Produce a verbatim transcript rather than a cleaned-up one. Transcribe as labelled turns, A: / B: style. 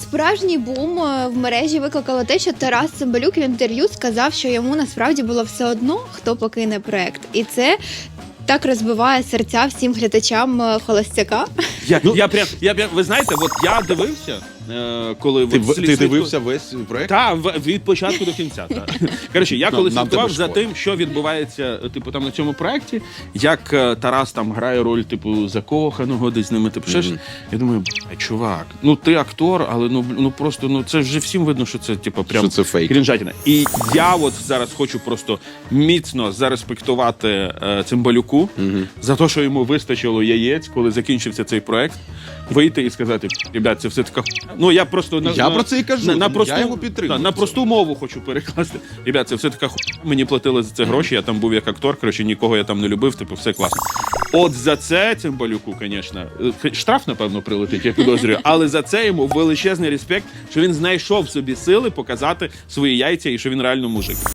A: Справжній бум е, в мережі викликало те, що Тарас Цимбалюк в інтерв'ю сказав, що йому насправді було все одно, хто покине проект. І це так розбиває серця всім глядачам е, «Холостяка».
B: Я, ну, я прям, я прям, ви знаєте, от я дивився, е, коли...
C: Ти,
B: от,
C: в-
B: слід-
C: ти
B: слідку-
C: дивився весь проект?
B: Так, від початку до кінця. Так. Коротше, я коли
C: Нам
B: слідкував
C: тебе
B: за
C: шкода.
B: тим, що відбувається, типу, там на цьому проєкті, як е, Тарас там грає роль, типу, закоханого десь з ними, типу, ще ж. Я думаю, бля, чувак, ну ти актор, але ну, ну просто, ну це вже всім видно, що це, типу, прям
C: Що це фейк.
B: крінжатіна. І я от зараз хочу просто міцно зареспектувати е, Цимбалюку за те, що йому вистачило яєць, коли закінчився цей проект, вийти і сказати, ребят, це все така хуйня». Ну, я просто на,
C: Я
B: на,
C: про це і кажу,
B: на, на
C: я
B: просту,
C: його підтримую.
B: та, на просту мову хочу перекласти. Ребят, це все така хуйня. Мені платили за це гроші, я там був як актор, коротше, нікого я там не любив, типу, все класно. От за це Цимбалюку, звісно, штраф, напевно, прилетить, я підозрюю, але за це йому величезний респект, що він знайшов в собі сили показати свої яйця і що він реально мужик.